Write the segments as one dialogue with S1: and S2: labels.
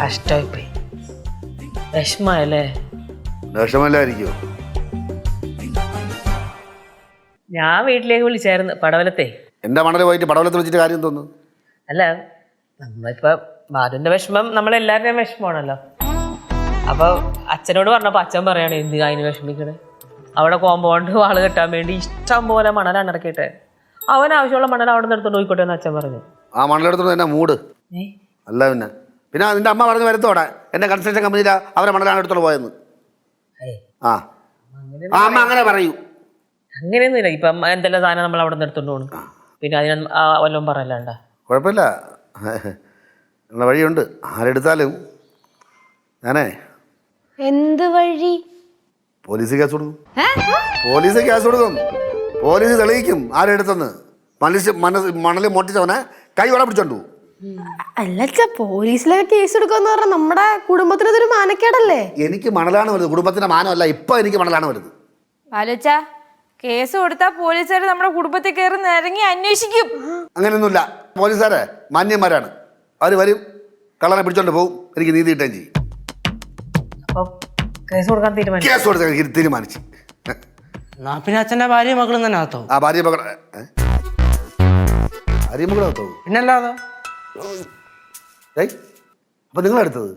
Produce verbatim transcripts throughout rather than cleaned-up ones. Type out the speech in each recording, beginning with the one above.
S1: കഷ്ടമായി പോയി. വിഷമല്ലേ?
S2: വിഷമല്ലായിരിക്കോ?
S1: ഞാൻ വീട്ടിലേക്ക് വിളിച്ചായിരുന്നു പടവലത്തെ.
S2: എന്റെ മണല് പോയിട്ട് പടവലത്ത് വെച്ചിട്ട് കാര്യം തോന്നുന്നു.
S1: അല്ല, നമ്മളിപ്പോ ബാലുവിന്റെ വിഷമം നമ്മളെല്ലാവരുടെയും വിഷമമാണല്ലോ. അപ്പൊ അച്ഛനോട് പറഞ്ഞപ്പോ അച്ഛൻ പറയാണ് എന്ത് അതിന് വിഷമിക്കണേ, അവിടെ കോമ്പൗണ്ട് വാള് കെട്ടാൻ വേണ്ടി ഇഷ്ടം പോലെ മണലാണ് ഇറക്കിയിട്ട് അവൻ ആവശ്യമുള്ള മണൽ അവിടെ നിന്ന് എടുത്തോണ്ട് പോയിക്കോട്ടെ എന്ന് അച്ഛൻ പറഞ്ഞു.
S2: ആ മണലെടുത്തോണ്ട് എന്നെ മൂട് അല്ല പിന്നെ പിന്നെ നിന്റെ അമ്മ പറഞ്ഞ് വരുത്തോടെ എന്റെ കൺസ്ട്രക്ഷൻ കമ്പനിയില അവരെ മണലാണ് എടുത്തോണ്ട് പോയെന്ന്. ആ അമ്മ അങ്ങനെ പറയൂ.
S1: അങ്ങനെയൊന്നുമില്ല. ഇപ്പം എന്തെല്ലാം സാധനം നമ്മൾ അവിടെ നിന്ന് എടുത്തോണ്ട് പോകണം, പിന്നെ അതിന് വല്ലതും പറയല്ലാണ്ട.
S2: കുഴപ്പമില്ല, ഉള്ള വഴിയുണ്ട്. ആരെടുത്താലും ഞാനേ
S3: എന്ത് വഴി?
S2: പോലീസ് കേസ് കൊടുക്കും. പോലീസ് കേസ് കൊടുക്കും. പോലീസ് തെളിയിക്കും ആരെടുത്തെന്ന്. മനുഷ്യ മനസ് മണല് മോട്ടിച്ചവനെ കൈവള പിടിച്ചോണ്ടു.
S3: അല്ല, പോലീസിലൊക്കെ കേസ് എടുക്കാന്ന് പറഞ്ഞാൽ നമ്മുടെ കുടുംബത്തിനതൊരു മാനക്കേടല്ലേ?
S2: എനിക്ക് മണലാണ് വലുത്, കുടുംബത്തിന്റെ മാനമല്ല. ഇപ്പൊ എനിക്ക് മണലാണ് വലുത്.
S4: ആലോചിച്ച കേസ് കൊടുത്താൽ പോലീസുകാർ നമ്മുടെ കുടുംബത്തിൽ കയറി നിരങ്ങി അന്വേഷിക്കും.
S2: അങ്ങനെയൊന്നുമില്ല. പോലീസുകാരെ മാന്യന്മാരാണ്. അവര് വരും, കള്ളനെ പിടിച്ചോണ്ട് പോകും, എനിക്ക് നീതി കിട്ടുകയും ചെയ്യും.
S1: കേസ് കൊടുക്കാൻ തീരുമാനിച്ചു.
S2: കേസ് കൊടുത്ത തീരുമാനിച്ചു.
S5: പിന്നെ അച്ഛന്റെ ഭാര്യ മകളും തന്നെ ആത്തോ?
S2: ആ ഭാര്യ മകൾ ഭാര്യ മകളാത്തോ?
S5: പിന്നല്ലാതെ.
S2: അപ്പൊ നിങ്ങളെടുത്തത്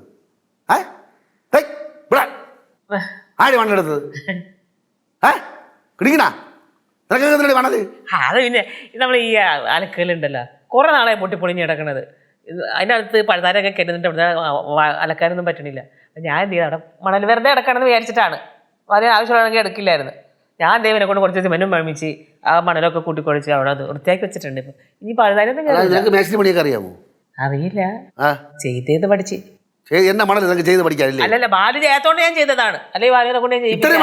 S2: ആര് മണ്ണെടുത്തത്? കിടിക്കണ നിനക്ക് മണല്?
S1: അത് പിന്നെ നമ്മൾ ഈ അലക്കലുണ്ടല്ലോ കുറെ നാളെ പൊട്ടിപ്പൊളിഞ്ഞ് കിടക്കണത്. അതിനകത്ത് പഴുതാരൊക്കെ കെട്ടുന്നിട്ട് അവിടെ അലക്കാനൊന്നും പറ്റണില്ല. ഞാൻ എന്ത് ചെയ്തു, അവിടെ മണൽ വെറുതെ കിടക്കണമെന്ന് വിചാരിച്ചിട്ടാണ്. വളരെ ആവശ്യമുള്ളതെങ്കിൽ എടുക്കില്ലായിരുന്നു. ഞാൻ ദൈവനെ കൊണ്ട് കുറച്ച് സിമെന്റും മഴമിച്ച് ആ മണലൊക്കെ കൂട്ടിക്കൊഴിച്ച് അവിടെ അത് വൃത്തിയാക്കി വെച്ചിട്ടുണ്ട്. ഇപ്പൊ ഇനി പഴുതാരൊന്നും
S2: അറിയാമോ?
S1: അറിയില്ല, ചെയ്തത് പഠിച്ച്.
S2: എന്നെ മണൽ നിനക്ക് ചെയ്ത് പഠിക്കാനില്ല.
S1: അല്ലല്ല, ബാലു ചെയ്യാത്തോണ്ട് ഞാൻ ചെയ്തതാണ്. അല്ലെങ്കിൽ ബാലുവിനെ കൊണ്ട്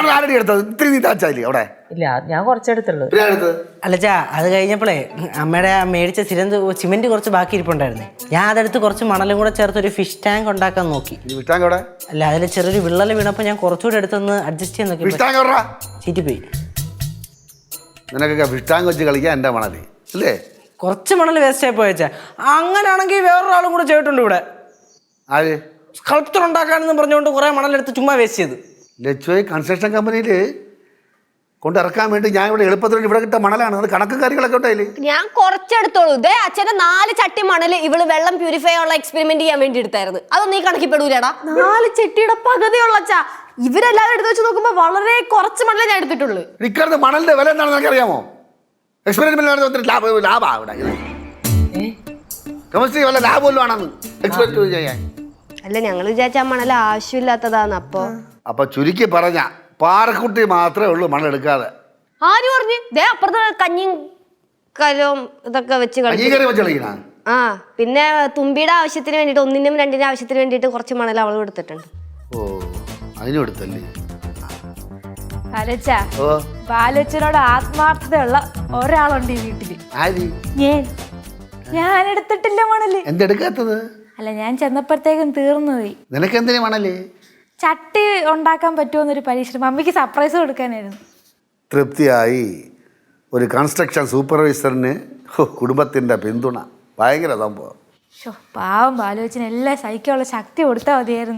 S1: ഇല്ല, ഞാൻ കുറച്ചെടുത്തുള്ളൂ.
S5: അല്ലച്ചാ, അത് കഴിഞ്ഞപ്പോഴേ അമ്മയുടെ മേടിച്ച സിരന്ത് സിമെന്റ് കുറച്ച് ബാക്കി ഇരിപ്പുണ്ടായിരുന്നേ. ഞാൻ അതെടുത്ത് കുറച്ച് മണലും കൂടെ ചേർത്ത് ഒരു ഫിഷ് ടാങ്ക് ഉണ്ടാക്കാൻ നോക്കി. അല്ല, അതിൽ ചെറിയൊരു വിള്ളൽ വീണപ്പോ ഞാൻ കുറച്ചുകൂടെ എടുത്തൊന്ന് അഡ്ജസ്റ്റ് ചെയ്യാൻ നോക്കി. ചീറ്റിപ്പോയി.
S2: നിനക്കൊക്കെ ഫിഷ് ടാങ്ക് വെച്ച് കളിക്കാൻ എന്റെ മണല് അല്ലേ?
S5: കുറച്ച് മണൽ വേസ്റ്റ് ആയി പോയച്ചാ. അങ്ങനെയാണെങ്കിൽ വേറൊരാളും കൂടെ ചെയ്തിട്ടുണ്ട് ഇവിടെ.
S2: ആര്?
S5: സ്കൾപ്ചർ ഉണ്ടാക്കാനെന്ന് പറഞ്ഞുകൊണ്ട് കുറെ മണലെടുത്ത് ചുമ്മാ വേസ്റ്റ് ചെയ്ത്.
S2: ലച്ചുവേ കൺസ്ട്രക്ഷൻ കമ്പനിയിൽ കൊണ്ടിറക്കാൻ വേണ്ടി ഞാൻ ഇവിടെ എളുപ്പത്തിൽ ഇവിടെ കിട്ട മണലാണ്. അത് കണക്കും കാര്യങ്ങളൊക്കെ ഉണ്ടായില്ലേ?
S3: ഞാൻ കുറച്ചെടുത്തോളൂ. ഇതേ അച്ഛന്റെ നാല് ചട്ടി മണല് ഇവള് വെള്ളം പ്യൂരിഫൈ ഉള്ള എക്സ്പെരിമെന്റ് ചെയ്യാൻ വേണ്ടി എടുത്തായിരുന്നു. അതൊന്നും ഈ കണക്കിപ്പെടൂലടാ. നാല് ചട്ടിയുടെ പകുതിയുള്ള അച്ഛാ. ഇവരെല്ലാവരും എടുത്ത് വെച്ച് നോക്കുമ്പോ വളരെ കുറച്ച് മണലേ ഞാൻ എടുത്തിട്ടുള്ളൂ.
S2: ഇക്കാലത്ത് മണലിന്റെ വില എന്താണെന്ന് എനിക്ക് അറിയാമോ? എക്സ്പെരിമെന്റ് ലാഭം കെമിസ്ട്രി വല്ല ലാഭമല്ലോ ആണെന്ന് എക്സ്പെരിമെന്റ് ചെയ്യാൻ.
S3: അല്ല, ഞങ്ങൾ വിചാരിച്ച ആ മണൽ ആവശ്യമില്ലാത്തതാന്ന്. അപ്പൊ
S2: അപ്പൊ ചുരുക്കി പറഞ്ഞ പാറക്കുട്ടി മാത്രമേ ഉള്ളൂ മണൽ എടുക്കാതെ.
S3: ആര് പറഞ്ഞു? ദേ അപ്പുറത്ത് കഞ്ഞിയും കലവും ഇതൊക്കെ വെച്ച്
S2: കളിക്കണ.
S3: ആ, പിന്നെ തുമ്പിയുടെ ആവശ്യത്തിന് വേണ്ടിട്ട് ഒന്നിനും രണ്ടിനും ആവശ്യത്തിന് വേണ്ടിട്ട് കുറച്ച് മണൽ അവളും എടുത്തിട്ടുണ്ട്.
S2: ഓ, അതിനും എടുത്തല്ലേ?
S4: ആലോചിച്ച ബാലച്ചനോട് ആത്മാർത്ഥതയുള്ള ഒരാളുണ്ട് ഈ വീട്ടില്. ഞാൻ ഞാൻ എടുത്തിട്ടില്ല മണല്.
S2: എന്തെടുക്കാത്തത്?
S4: അല്ല, ഞാൻ ചെന്നപ്പോഴത്തേക്കും തീർന്നു പോയി.
S2: നിനക്ക് എന്തിനാ മണല്?
S4: ചട്ടി ഉണ്ടാക്കാൻ പറ്റുമെന്നൊരു പരീക്ഷ മമ്മിക്ക് സർപ്രൈസ് കൊടുക്കാനായിരുന്നു.
S2: തൃപ്തിയായി. ഒരു കൺസ്ട്രക്ഷൻ സൂപ്പർവൈസറിന് കുടുംബത്തിന്റെ പിന്തുണ ഭയങ്കര സംഭവം.
S4: പാവം ബാലോചന എല്ലാം സഹിക്കാനുള്ള ശക്തി കൊടുത്താൽ മതിയായിരുന്നു.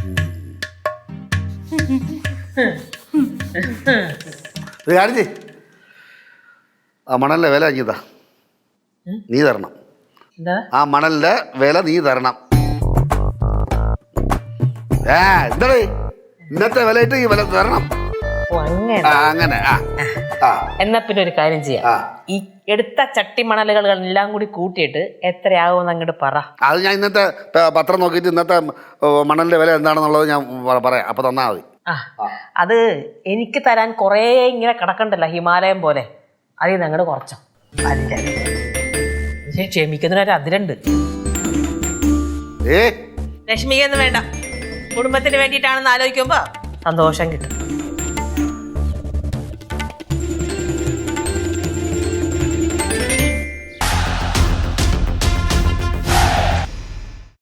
S2: ആ മണലിന്റെ വില അഞ്ഞതാ, നീ തരണം. ആ മണലിന്റെ വില നീ തരണം. ഏ എന്താ ഇന്നത്തെ വിലയിട്ട് ഈ വില തരണം. അങ്ങനെ.
S1: എന്നാ പിന്നെ ഒരു കാര്യം ചെയ്യാം, ഈ എടുത്ത ചട്ടി മണലുകൾ എല്ലാം കൂടി കൂട്ടിയിട്ട് എത്രയാകുമെന്ന് അങ്ങോട്ട് പറ.
S2: അത് ഞാൻ ഇന്നത്തെ പത്രം നോക്കിയിട്ട് ഇന്നത്തെ മണലിന്റെ വില എന്താണെന്നുള്ളത് ഞാൻ പറയാം. അപ്പൊ തന്നാ മതി.
S1: ആ, അത് എനിക്ക് തരാൻ കുറേ ഇങ്ങനെ കിടക്കണ്ടല്ലോ ഹിമാലയം പോലെ. അതിൽ നിന്ന് അങ്ങോട്ട് കുറച്ചോ. ക്ഷമിക്കുന്നതിനൊരു അതിരുണ്ട്. വിഷമിക്കൊന്നും വേണ്ട, കുടുംബത്തിന് വേണ്ടിയിട്ടാണെന്ന് ആലോചിക്കുമ്പോ സന്തോഷം കിട്ടും.